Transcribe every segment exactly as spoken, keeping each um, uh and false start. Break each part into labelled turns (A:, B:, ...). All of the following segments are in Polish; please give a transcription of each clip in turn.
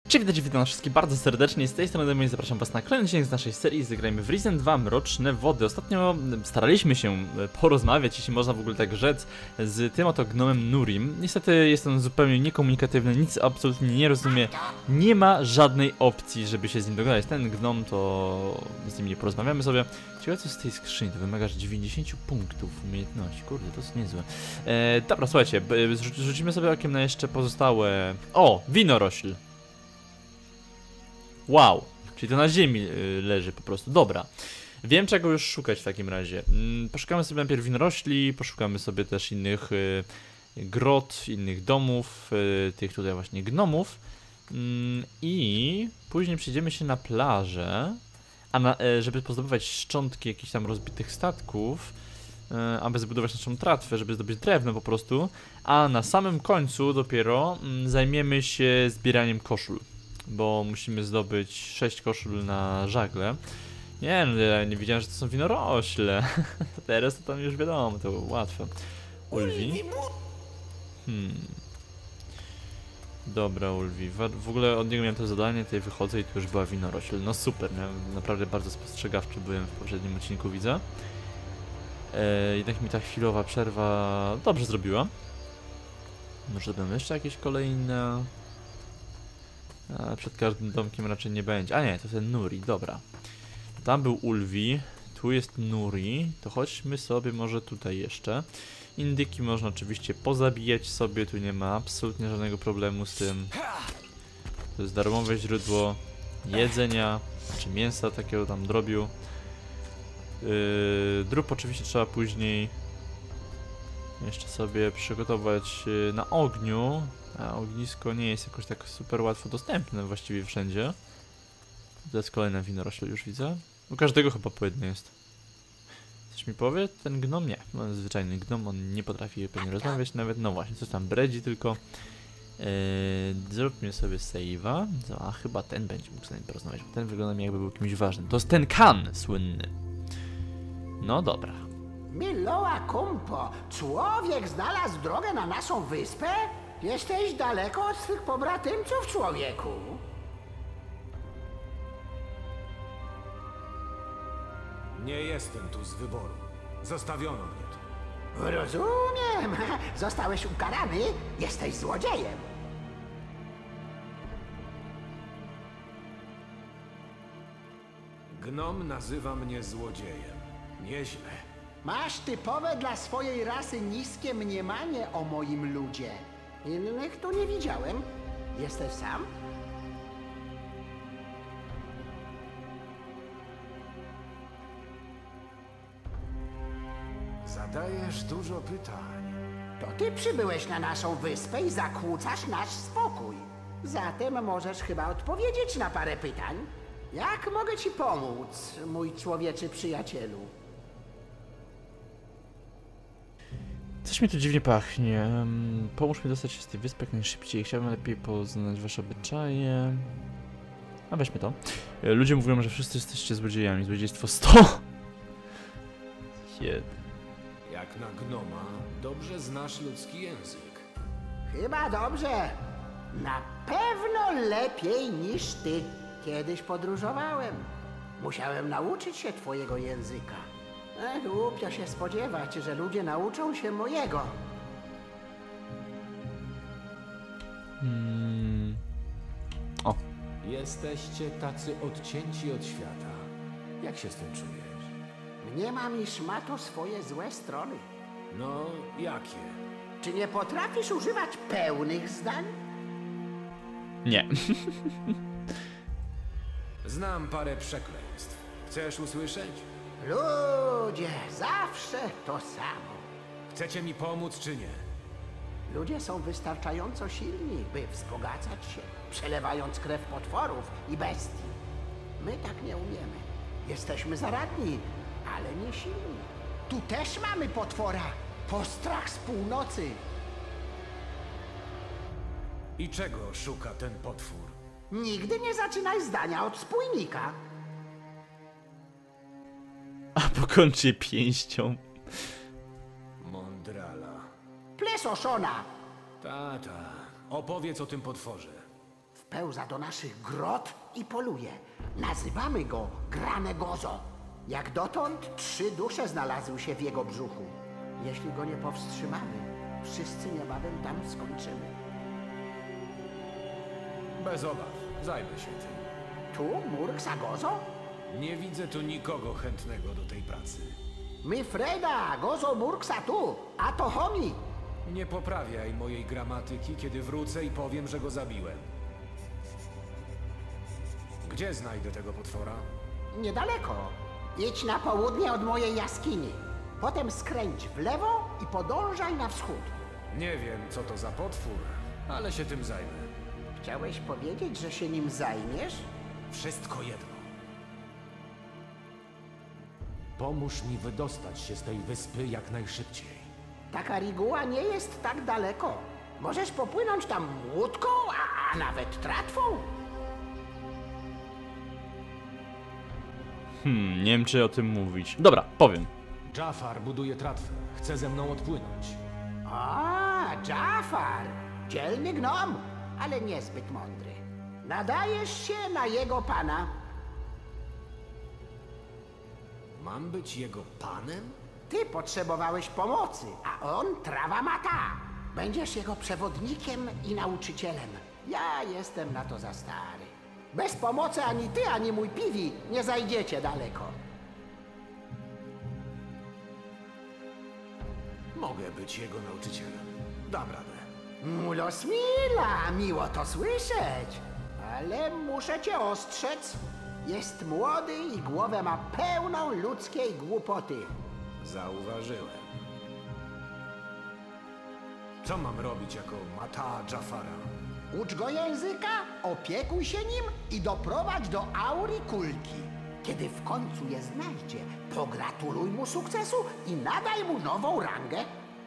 A: Cześć, witajcie, witam wszystkich bardzo serdecznie, z tej strony Demo i zapraszam was na kolejny odcinek z naszej serii Zagrajmy w Risen dwa Mroczne Wody. Ostatnio staraliśmy się porozmawiać, jeśli można w ogóle tak rzec, z tym oto gnomem Nurim. Niestety jest on zupełnie niekomunikatywny, nic absolutnie nie rozumie, nie ma żadnej opcji, żeby się z nim dogadać. Ten gnom to z nim nie porozmawiamy sobie. Ciekawe co z tej skrzyni, to wymagasz dziewięćdziesiąt punktów umiejętności, kurde, to jest niezłe. E, dobra, słuchajcie, rzucimy sobie okiem na jeszcze pozostałe... O, winorośl. Wow, czyli to na ziemi y, leży po prostu, dobra. Wiem czego już szukać w takim razie. Mm, poszukamy sobie najpierw winorośli, poszukamy sobie też innych y, grot, innych domów, y, tych tutaj właśnie gnomów. Mm, I później przejdziemy się na plażę, a na, y, żeby pozdobywać szczątki jakichś tam rozbitych statków, y, aby zbudować naszą tratwę, żeby zdobyć drewno po prostu. A na samym końcu dopiero y, zajmiemy się zbieraniem koszul. Bo musimy zdobyć sześć koszul na żagle. Nie no, ja nie wiedziałem, że to są winorośle. Teraz to tam już wiadomo, to łatwe. Ulwi. Hmm. Dobra, Ulwi. W ogóle od niego miałem to zadanie, tutaj wychodzę i tu już była winorośl. No super, miałem, naprawdę bardzo spostrzegawczy byłem w poprzednim odcinku, widzę. E, jednak mi ta chwilowa przerwa dobrze zrobiła. Może będą jeszcze jakieś kolejne... A przed każdym domkiem raczej nie będzie. A nie, to ten Nuri, dobra. Tam był Ulwi, tu jest Nuri. To chodźmy sobie może tutaj jeszcze. Indyki można oczywiście pozabijać sobie, tu nie ma absolutnie żadnego problemu z tym. To jest darmowe źródło jedzenia, czy mięsa takiego tam drobiu. Yy, drób oczywiście trzeba później jeszcze sobie przygotować na ogniu. A ognisko nie jest jakoś tak super łatwo dostępne właściwie wszędzie. To jest kolejna winorośl, już widzę. U każdego chyba po jednej jest. Coś mi powie? Ten gnom? Nie. No, zwyczajny gnom, on nie potrafi pewnie rozmawiać nawet. No właśnie, coś tam bredzi tylko. Eee, zróbmy sobie save'a. A chyba ten będzie mógł z nami porozmawiać, bo ten wygląda mi jakby był kimś ważnym. To jest ten Kan słynny. No dobra.
B: Miloa Kumpo, człowiek znalazł drogę na naszą wyspę? Jesteś daleko od swych pobratymców, człowieku.
C: Nie jestem tu z wyboru. Zostawiono mnie tu.
B: Rozumiem. Zostałeś ukarany, jesteś złodziejem.
C: Gnom nazywa mnie złodziejem. Nieźle.
B: Masz typowe dla swojej rasy niskie mniemanie o moim ludzie. Innych tu nie widziałem. Jesteś sam?
C: Zadajesz dużo pytań.
B: To ty przybyłeś na naszą wyspę i zakłócasz nasz spokój. Zatem możesz chyba odpowiedzieć na parę pytań. Jak mogę ci pomóc, mój człowieczy przyjacielu?
A: Coś mi tu dziwnie pachnie. Pomóż mi dostać się z tej wyspy jak najszybciej. Chciałbym lepiej poznać wasze obyczaje. A weźmy to. Ludzie mówią, że wszyscy jesteście złodziejami. Złodziejstwo sto! Jed.
C: Jak na gnoma, dobrze znasz ludzki język.
B: Chyba dobrze. Na pewno lepiej niż ty. Kiedyś podróżowałem. Musiałem nauczyć się twojego języka. E, głupio się spodziewać, że ludzie nauczą się mojego.
A: Hmm. O.
C: Jesteście tacy odcięci od świata. Jak się z tym czujesz?
B: Mniemam, iż ma to swoje złe strony.
C: No, jakie?
B: Czy nie potrafisz używać pełnych zdań?
A: Nie.
C: Znam parę przekleństw. Chcesz usłyszeć?
B: Ludzie, zawsze to samo.
C: Chcecie mi pomóc czy nie?
B: Ludzie są wystarczająco silni, by wzbogacać się, przelewając krew potworów i bestii. My tak nie umiemy. Jesteśmy zaradni, ale nie silni. Tu też mamy potwora. Postrach z północy.
C: I czego szuka ten potwór?
B: Nigdy nie zaczynaj zdania od spójnika.
A: A pokończy pięścią.
C: Mondrala.
B: Plesoszona.
C: Tata, opowiedz o tym potworze.
B: W Wpełza do naszych grot i poluje. Nazywamy go Granegozo. Jak dotąd trzy dusze znalazły się w jego brzuchu. Jeśli go nie powstrzymamy, wszyscy niebawem tam skończymy.
C: Bez obaw, zajmę się tym.
B: Tu, Murksa-Gozo?
C: Nie widzę tu nikogo chętnego do tej pracy.
B: My Freda, Gozo Murksa tu, a to homi.
C: Nie poprawiaj mojej gramatyki, kiedy wrócę i powiem, że go zabiłem. Gdzie znajdę tego potwora?
B: Niedaleko. Idź na południe od mojej jaskini. Potem skręć w lewo i podążaj na wschód.
C: Nie wiem, co to za potwór, ale się tym zajmę.
B: Chciałeś powiedzieć, że się nim zajmiesz?
C: Wszystko jedno. Pomóż mi wydostać się z tej wyspy jak najszybciej.
B: Taka reguła nie jest tak daleko. Możesz popłynąć tam łódką, a, a nawet tratwą.
A: Hmm, nie wiem czy o tym mówić. Dobra, powiem.
C: Jafar buduje tratwę. Chce ze mną odpłynąć.
B: A, Jafar. Dzielny gnom, ale niezbyt mądry. Nadajesz się na jego pana.
C: Mam być jego panem?
B: Ty potrzebowałeś pomocy, a on trawa mata. Będziesz jego przewodnikiem i nauczycielem. Ja jestem na to za stary. Bez pomocy ani ty, ani mój piwi nie zajdziecie daleko.
C: Mogę być jego nauczycielem. Dam radę.
B: Mulos Mila, miło to słyszeć. Ale muszę cię ostrzec. Jest młody i głowę ma pełną ludzkiej głupoty.
C: Zauważyłem. Co mam robić jako mata Jafara?
B: Ucz go języka, opiekuj się nim i doprowadź do Auri Kulki. Kiedy w końcu je znajdzie, pogratuluj mu sukcesu i nadaj mu nową rangę.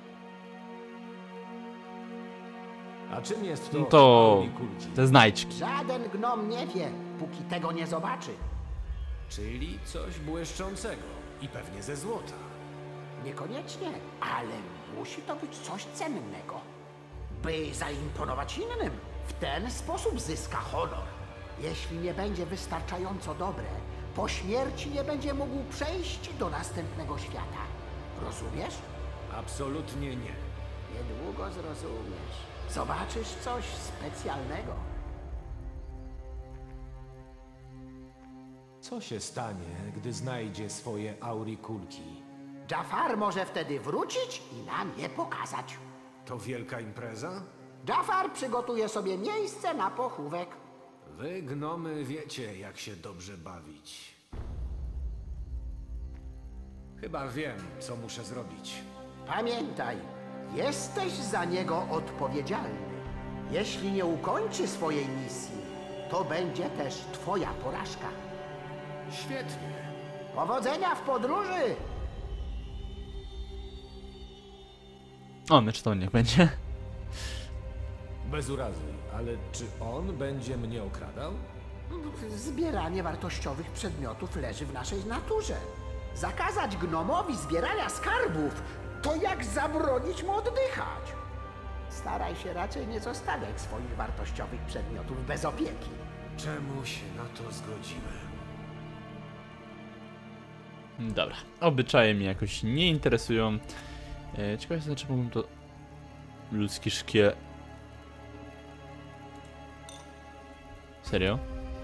C: A czym jest to?
A: No to
C: Auri Kulki?
A: te znajdźki.
B: Żaden gnom nie wie, póki tego nie zobaczy.
C: Czyli coś błyszczącego i pewnie ze złota.
B: Niekoniecznie, ale musi to być coś cennego. By zaimponować innym, w ten sposób zyska honor. Jeśli nie będzie wystarczająco dobre, po śmierci nie będzie mógł przejść do następnego świata. Rozumiesz?
C: Absolutnie nie.
B: Niedługo zrozumiesz. Zobaczysz coś specjalnego.
C: Co się stanie, gdy znajdzie swoje Auri Kulki?
B: Jafar może wtedy wrócić i nam je pokazać.
C: To wielka impreza?
B: Jafar przygotuje sobie miejsce na pochówek.
C: Wy, gnomy, wiecie, jak się dobrze bawić. Chyba wiem, co muszę zrobić.
B: Pamiętaj, jesteś za niego odpowiedzialny. Jeśli nie ukończy swojej misji, to będzie też twoja porażka.
C: Świetnie.
B: Powodzenia w podróży!
A: O, my czy to niech będzie.
C: Bez urazy, ale czy on będzie mnie okradał?
B: Zbieranie wartościowych przedmiotów leży w naszej naturze. Zakazać gnomowi zbierania skarbów to jak zabronić mu oddychać. Staraj się raczej nie zostawiać swoich wartościowych przedmiotów bez opieki.
C: Czemu się na to zgodziłem?
A: Dobra, obyczaje mnie jakoś nie interesują. E, ciekawe jest, znaczy mógłbym to... Ludzki szkiel... Serio?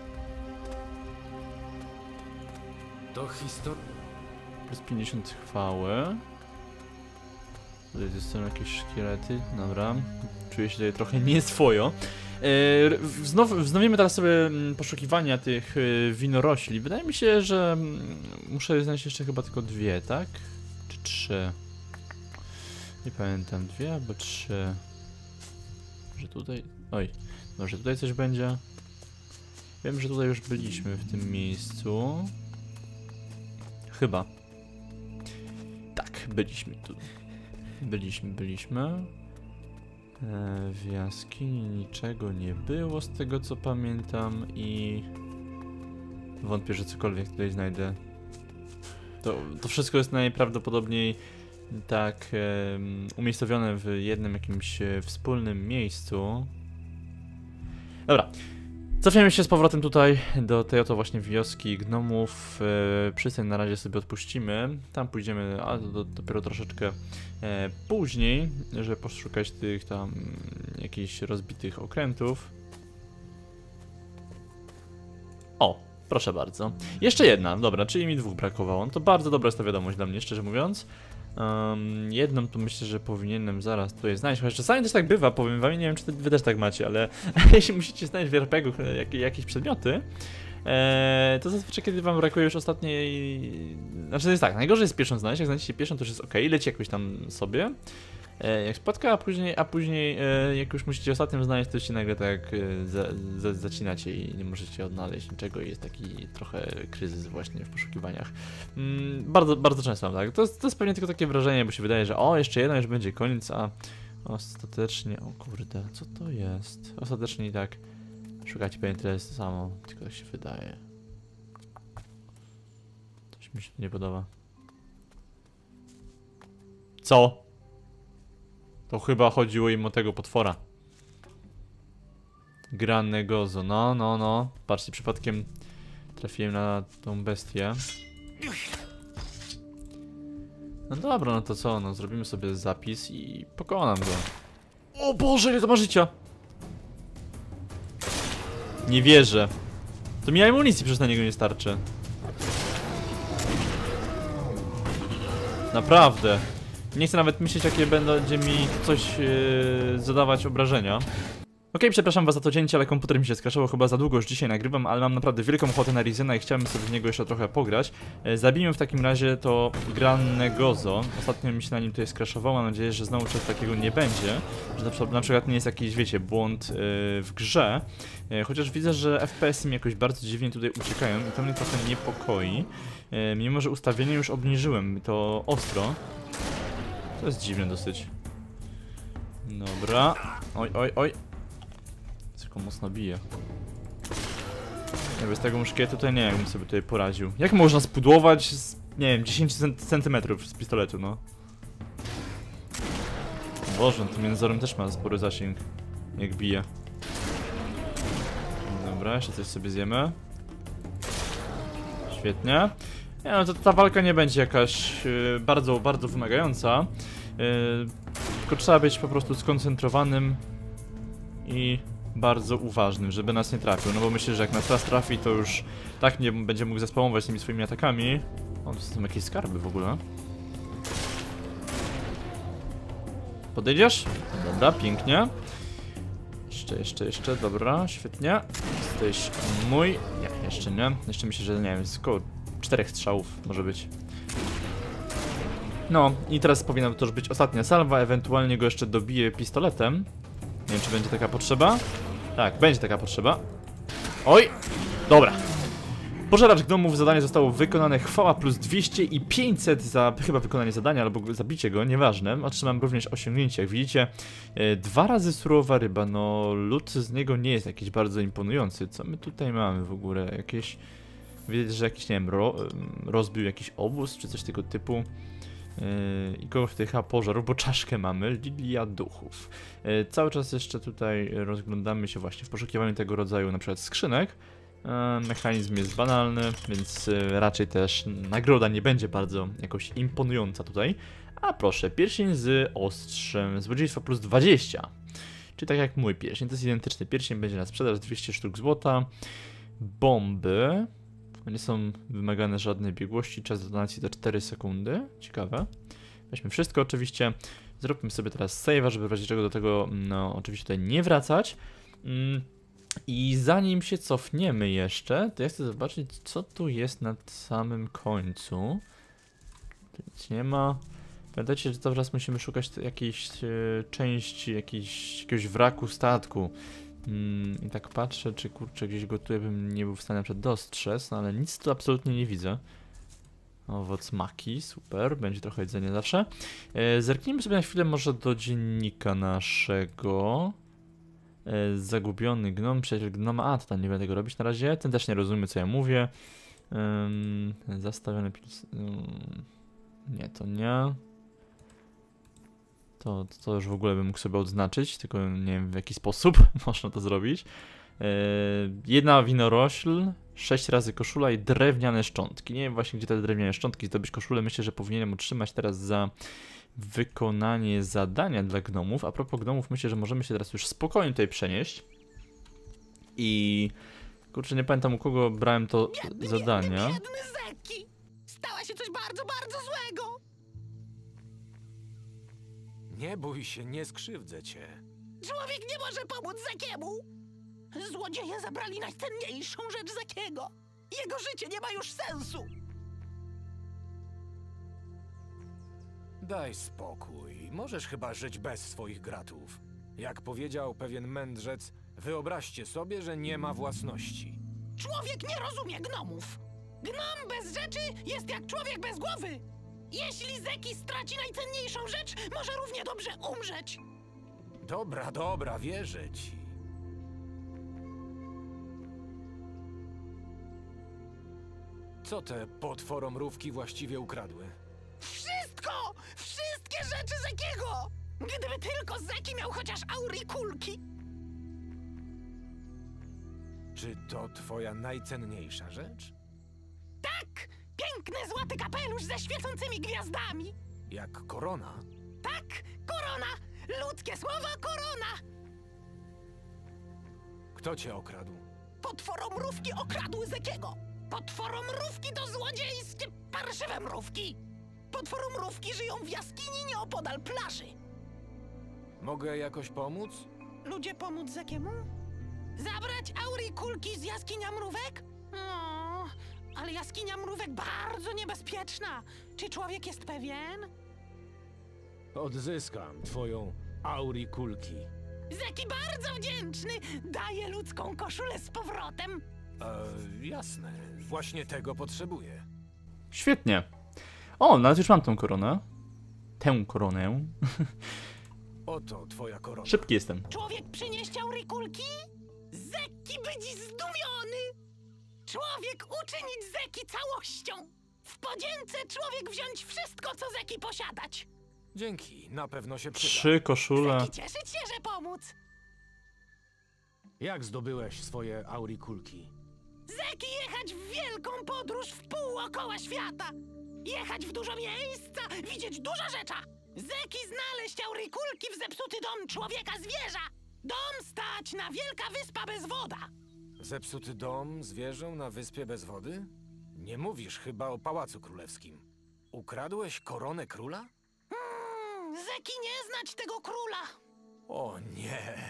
C: To historia...
A: Plus pięćdziesiąt chwały. Tutaj są jakieś szkielety, dobra. Czuję się tutaj trochę nieswojo. E, wznow, wznowimy teraz sobie poszukiwania tych winorośli. Wydaje mi się, że muszę znaleźć jeszcze chyba tylko dwie, tak? Czy trzy? Nie pamiętam, dwie albo trzy. Może tutaj... Oj, może tutaj coś będzie? Wiem, że tutaj już byliśmy w tym miejscu. Chyba. Tak, byliśmy tu. Byliśmy, byliśmy. E, w jaskini niczego nie było z tego co pamiętam i... Wątpię, że cokolwiek tutaj znajdę. To, to wszystko jest najprawdopodobniej tak e, umiejscowione w jednym jakimś e, wspólnym miejscu. Dobra. Cofniemy się z powrotem tutaj do tej oto właśnie wioski gnomów. E, przystań na razie sobie odpuścimy. Tam pójdziemy, a do, do, dopiero troszeczkę e, później, żeby poszukać tych tam jakichś rozbitych okrętów. O, proszę bardzo. Jeszcze jedna, dobra, czyli mi dwóch brakowało. No to bardzo dobra jest ta wiadomość dla mnie, szczerze mówiąc. Um, jedną to myślę, że powinienem zaraz tutaj znaleźć, chociaż czasami też tak bywa, powiem wam, nie wiem czy wy też tak macie, ale jeśli musicie znaleźć w er pe gu jak, jakieś przedmioty, e, to zazwyczaj kiedy wam brakuje już ostatniej... Znaczy to jest tak, najgorzej jest pierwszą znaleźć, jak znajdziecie pierwszą to już jest ok, leci jakoś tam sobie, e, jak spotka, a później, a później e, jak już musicie ostatnią znaleźć, to się nagle tak e, za, za, zacinacie i nie możecie odnaleźć niczego i jest taki trochę kryzys właśnie w poszukiwaniach. Mm, bardzo, bardzo często mam tak. To jest, to jest pewnie tylko takie wrażenie, bo się wydaje, że o, jeszcze jedno, już będzie koniec, a ostatecznie, o kurde, co to jest? Ostatecznie i tak szukacie pewnie tyle samo, tylko tak się wydaje. Coś mi się tu nie podoba. Co? To chyba chodziło im o tego potwora. Granegozo, no, no, no. Patrzcie, przypadkiem trafiłem na tą bestię. No dobra, no to co, no zrobimy sobie zapis i pokonam go. O Boże, ile to ma życia! Nie wierzę. To mi amunicji przecież na niego nie starczy. Naprawdę. Nie chcę nawet myśleć, jakie będzie mi coś yy, zadawać obrażenia. Okej, okay, przepraszam was za to cięcie, ale komputer mi się skraszował, chyba za długo już dzisiaj nagrywam, ale mam naprawdę wielką ochotę na Rizena i chciałbym sobie w niego jeszcze trochę pograć. E, zabijmy w takim razie to Granegozo. Ostatnio mi się na nim tutaj skraszowało, mam nadzieję, że znowu czegoś takiego nie będzie. Że na przykład, na przykład nie jest jakiś, wiecie, błąd yy, w grze. E, chociaż widzę, że ef pe esy mi jakoś bardzo dziwnie tutaj uciekają i to mnie trochę niepokoi. E, mimo, że ustawienie już obniżyłem, to ostro. To jest dziwne dosyć. Dobra. Oj, oj, oj. Tylko mocno bije. Ja bez tego muszkietu tutaj nie wiem, jakbym sobie tutaj poradził. Jak można spudłować z, nie wiem, dziesięć centymetrów z pistoletu, no? Boże, no tym jęzorem też ma spory zasięg. Jak bije. Dobra, jeszcze coś sobie zjemy. Świetnie. Nie, no to ta walka nie będzie jakaś yy, bardzo, bardzo wymagająca. Yy, tylko trzeba być po prostu skoncentrowanym i bardzo uważnym, żeby nas nie trafił. No bo myślę, że jak nas raz trafi, to już tak nie będzie mógł zaspamować tymi swoimi atakami. O, to są jakieś skarby w ogóle. Podejdziesz? Dobra, pięknie. Jeszcze, jeszcze, jeszcze, dobra, świetnie. Jesteś mój. Nie, jeszcze nie. Jeszcze myślę, że nie wiem, jest około czterech strzałów może być. No i teraz powinna to już być ostatnia salwa, ewentualnie go jeszcze dobiję pistoletem. Nie wiem, czy będzie taka potrzeba. Tak, będzie taka potrzeba. Oj! Dobra. Pożeracz gnomów, zadanie zostało wykonane. Chwała plus dwieście i pięćset za chyba wykonanie zadania albo zabicie go, nieważne. Otrzymam również osiągnięcie, jak widzicie. E, dwa razy surowa ryba, no lód z niego nie jest jakiś bardzo imponujący. Co my tutaj mamy w ogóle? Jakieś... Widać, że jakiś, nie wiem, ro, rozbił jakiś obóz, czy coś tego typu. Yy, I kogoś tutaj chyba pożarł, bo czaszkę mamy, Lilia Duchów. Yy, cały czas jeszcze tutaj rozglądamy się właśnie w poszukiwaniu tego rodzaju na przykład skrzynek. Yy, mechanizm jest banalny, więc yy, raczej też nagroda nie będzie bardzo jakoś imponująca tutaj. A proszę, pierścień z ostrzem, złodziejstwa plus dwadzieścia. Czyli tak jak mój pierścień, to jest identyczny pierścień, będzie na sprzedaż dwieście sztuk złota. Bomby. Nie są wymagane żadnej biegłości, czas detonacji to cztery sekundy. Ciekawe. Weźmy wszystko oczywiście. Zróbmy sobie teraz save'a, żeby w razie czego do tego, no oczywiście tutaj nie wracać. Mm. I zanim się cofniemy jeszcze, to ja chcę zobaczyć, co tu jest na samym końcu. Tu nic nie ma. Pamiętajcie, że teraz musimy szukać jakiejś e, części, jakiejś, jakiegoś wraku statku. Mm, I tak patrzę, czy kurczę gdzieś go tutaj bym nie był w stanie na przykład dostrzec, no ale nic tu absolutnie nie widzę. Owoc maki, super, będzie trochę jedzenia zawsze. E, zerknijmy sobie na chwilę może do dziennika naszego. E, zagubiony gnom, przyjaciel gnoma, a to tam nie będę tego robić na razie, ten też nie rozumie co ja mówię. E, zastawiony pils... E, nie, to nie. To, to już w ogóle bym mógł sobie odznaczyć, tylko nie wiem w jaki sposób można to zrobić. jedna winorośl, sześć razy koszula i drewniane szczątki. Nie wiem właśnie, gdzie te drewniane szczątki zdobyć koszulę. Myślę, że powinienem otrzymać teraz za wykonanie zadania dla gnomów. A propos gnomów, myślę, że możemy się teraz już spokojnie tutaj przenieść. I... kurczę, nie pamiętam, u kogo brałem to
D: Biedny,
A: zadania.
D: biedny, biedny Zeki! Stała się coś bardzo, bardzo złego!
C: Nie bój się, nie skrzywdzę cię.
D: Człowiek nie może pomóc Zekiemu! Złodzieje zabrali najcenniejszą rzecz Zekiego! Jego życie nie ma już sensu!
C: Daj spokój, możesz chyba żyć bez swoich gratów. Jak powiedział pewien mędrzec, wyobraźcie sobie, że nie ma własności.
D: Człowiek nie rozumie gnomów! Gnom bez rzeczy jest jak człowiek bez głowy! Jeśli Zeki straci najcenniejszą rzecz, może równie dobrze umrzeć!
C: Dobra, dobra, wierzę ci. Co te potworomrówki właściwie ukradły?
D: Wszystko! Wszystkie rzeczy Zekiego! Gdyby tylko Zeki miał chociaż aurikulki!
C: Czy to twoja najcenniejsza rzecz?
D: Tak! Piękny złoty kapelusz ze świecącymi gwiazdami!
C: Jak korona?
D: Tak! Korona! Ludzkie słowo korona!
C: Kto cię okradł?
D: Potworomrówki okradły Zekiego! Potworomrówki to złodziejskie, parszywe mrówki! Potworomrówki żyją w jaskini nieopodal plaży!
C: Mogę jakoś pomóc?
D: Ludzie pomóc Zekiemu? Zabrać aurikulki z jaskinia mrówek? No, ale jaskinia mrówek bardzo niebezpieczna. Czy człowiek jest pewien?
C: Odzyskam twoją aurikulki.
D: Zeki bardzo wdzięczny! Daje ludzką koszulę z powrotem!
C: E, jasne, właśnie tego potrzebuję.
A: Świetnie. O, nawet już mam tą koronę. Tę koronę.
C: Oto twoja korona.
A: Szybki jestem.
D: Człowiek przynieść aurikulki? Zeki będzie zdumiony! Człowiek uczynić Zeki całością! W podzięce człowiek wziąć wszystko, co Zeki posiadać!
C: Dzięki, na pewno się przyda.
A: Trzy koszule.
D: Zeki cieszyć się, że pomóc!
C: Jak zdobyłeś swoje aurikulki?
D: Zeki jechać w wielką podróż w pół okoła świata! Jechać w dużo miejsca, widzieć dużo rzeczy! Zeki znaleźć aurikulki w zepsuty dom człowieka zwierza! Dom stać na wielka wyspa bez woda!
C: Zepsuty dom zwierzę na wyspie bez wody? Nie mówisz chyba o Pałacu Królewskim. Ukradłeś koronę króla?
D: Hmm, Zeki nie znać tego króla!
C: O nie.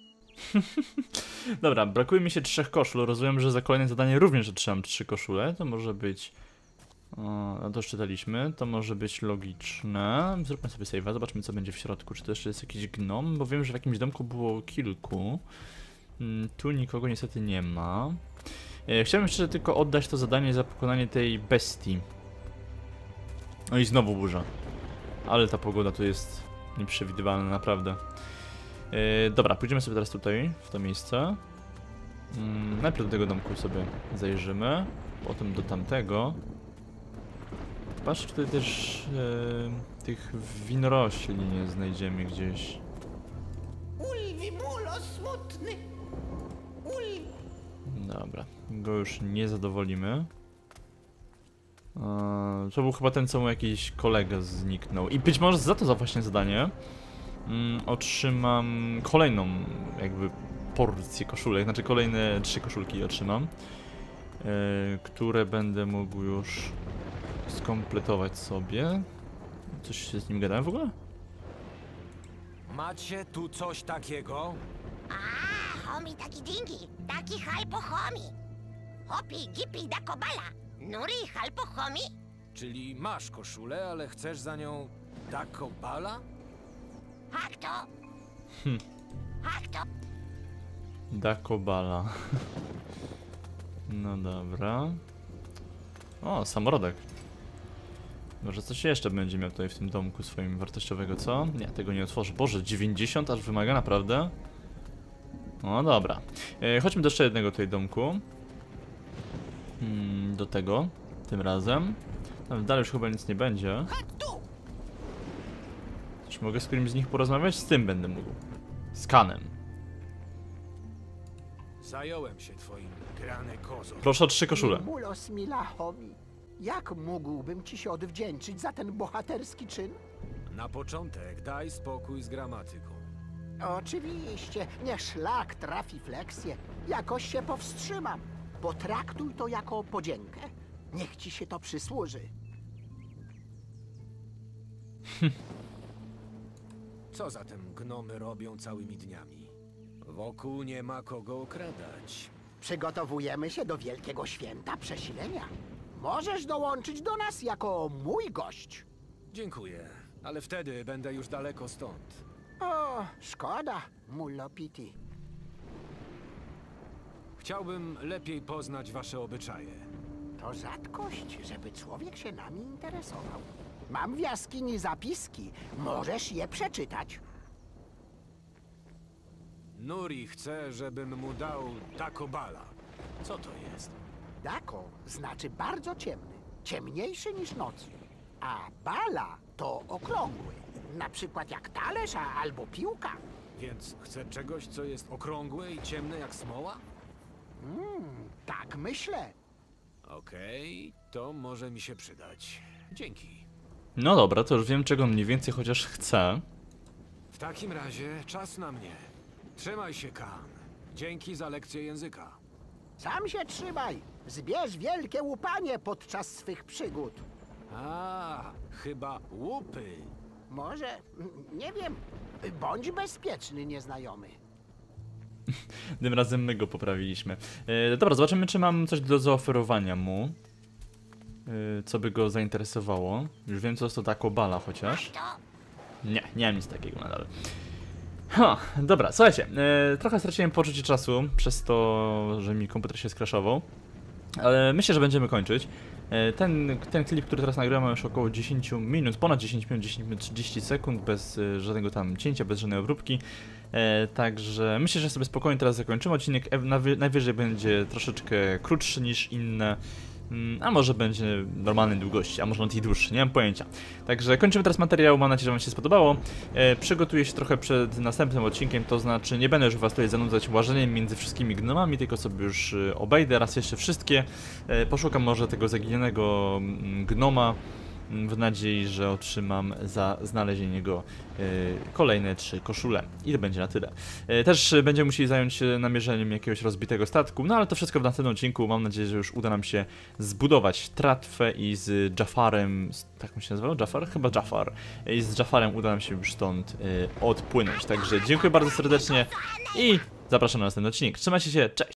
A: Dobra, brakuje mi się trzech koszul. Rozumiem, że za kolejne zadanie również otrzymam trzy koszule. To może być... O, no to już czytaliśmy. To może być logiczne. Zróbmy sobie save'a, zobaczmy, co będzie w środku. Czy to jeszcze jest jakiś gnom? Bo wiem, że w jakimś domku było kilku. Hmm, tu nikogo niestety nie ma. E, chciałbym jeszcze tylko oddać to zadanie za pokonanie tej bestii. No i znowu burza. Ale ta pogoda tu jest nieprzewidywalna, naprawdę. E, dobra, pójdziemy sobie teraz tutaj, w to miejsce. Mm, najpierw do tego domku sobie zajrzymy. Potem do tamtego. Patrz, tutaj też e, tych winorośli nie znajdziemy gdzieś.
D: Ulwi mulo smutny! Ulwi...
A: Dobra, go już nie zadowolimy. E, to był chyba ten, co mu jakiś kolega zniknął. I być może za to za właśnie zadanie mm, otrzymam kolejną jakby porcję koszulek, znaczy kolejne trzy koszulki otrzymam, e, które będę mógł już skompletować sobie. Coś się z nim gadałem w ogóle?
C: Macie tu coś takiego?
E: A, homi taki dingi, taki halpo homi. Hopi gipi da kobala, nuri halpo homi.
C: Czyli masz koszulę, ale chcesz za nią Dako Bala?
E: Jak to?
A: Hm.
E: Jak to?
A: Dakobala. No dobra. O, samorodek. Może coś jeszcze będzie miał tutaj w tym domku swoim wartościowego, co? Nie, tego nie otworzę. Boże, dziewięćdziesiąt aż wymaga, naprawdę? No dobra. E, chodźmy do jeszcze jednego tutaj domku. Hmm, do tego. Tym razem. Tam dalej już chyba nic nie będzie.
D: Tu!
A: Czy mogę z którymś z nich porozmawiać? Z tym będę mógł. Z Kanem.
C: Zająłem się twoim grany kozo.
A: Proszę o trzy koszule.
B: Mulos mila homi. Jak mógłbym ci się odwdzięczyć za ten bohaterski czyn?
C: Na początek daj spokój z gramatyką.
B: Oczywiście, nie szlak trafi fleksję. Jakoś się powstrzymam. Potraktuj to jako podziękę. Niech ci się to przysłuży.
C: Co zatem gnomy robią całymi dniami? Wokół nie ma kogo okradać.
B: Przygotowujemy się do wielkiego święta przesilenia. Możesz dołączyć do nas jako mój gość.
C: Dziękuję, ale wtedy będę już daleko stąd.
B: O, szkoda, mullo Piti.
C: Chciałbym lepiej poznać wasze obyczaje.
B: To rzadkość, żeby człowiek się nami interesował. Mam w jaskini zapiski. Możesz je przeczytać.
C: Nuri chce, żebym mu dał Dakobala. Co to jest?
B: Dako znaczy bardzo ciemny, ciemniejszy niż noc. A bala to okrągły, na przykład jak talerz a- albo piłka.
C: Więc chce czegoś, co jest okrągłe i ciemne jak smoła?
B: Tak myślę.
C: Okej, to może mi się przydać. Dzięki.
A: No dobra, to już wiem, czego mniej więcej chociaż chcę.
C: W takim razie czas na mnie. Trzymaj się, Kan. Dzięki za lekcję języka.
B: Sam się trzymaj. Zbierz wielkie łupanie podczas swych przygód.
C: A, chyba łupy.
B: Może, mm, nie wiem, bądź bezpieczny, nieznajomy.
A: Tym razem my go poprawiliśmy. E, dobra, zobaczymy, czy mam coś do zaoferowania mu. E, co by go zainteresowało. Już wiem, co jest to Dakobala chociaż.
E: To
A: Nie, nie mam nic takiego nadal. Ha, dobra, słuchajcie, e, trochę straciłem poczucie czasu przez to, że mi komputer się skraszował. Ale myślę, że będziemy kończyć. E, ten, ten klip, który teraz nagrałem, ma już około dziesięć minut, ponad dziesięć minut, dziesięć minut trzydzieści sekund, bez e, żadnego tam cięcia, bez żadnej obróbki. E, także myślę, że sobie spokojnie teraz zakończymy odcinek. E, nawy, najwyżej będzie troszeczkę krótszy niż inne. A może będzie normalnej długości, a może nawet i dłuższy, nie mam pojęcia. Także kończymy teraz materiał, mam nadzieję, że wam się spodobało. E, przygotuję się trochę przed następnym odcinkiem, to znaczy nie będę już was tutaj zanudzać łażeniem między wszystkimi gnomami, tylko sobie już e, obejdę raz jeszcze wszystkie. E, poszukam może tego zaginionego mm, gnoma, mm, w nadziei, że otrzymam za znalezienie go e, kolejne trzy koszule. I to będzie na tyle. E, też będziemy musieli zająć się namierzeniem jakiegoś rozbitego statku, no ale to wszystko w następnym odcinku. Mam nadzieję, że już uda nam się zbudować tratwę i z Jafarem, z, tak mu się nazywał? Jafar? Chyba Jafar. I z Jafarem uda nam się już stąd e, odpłynąć. Także dziękuję bardzo serdecznie i zapraszam na następny odcinek. Trzymajcie się, cześć!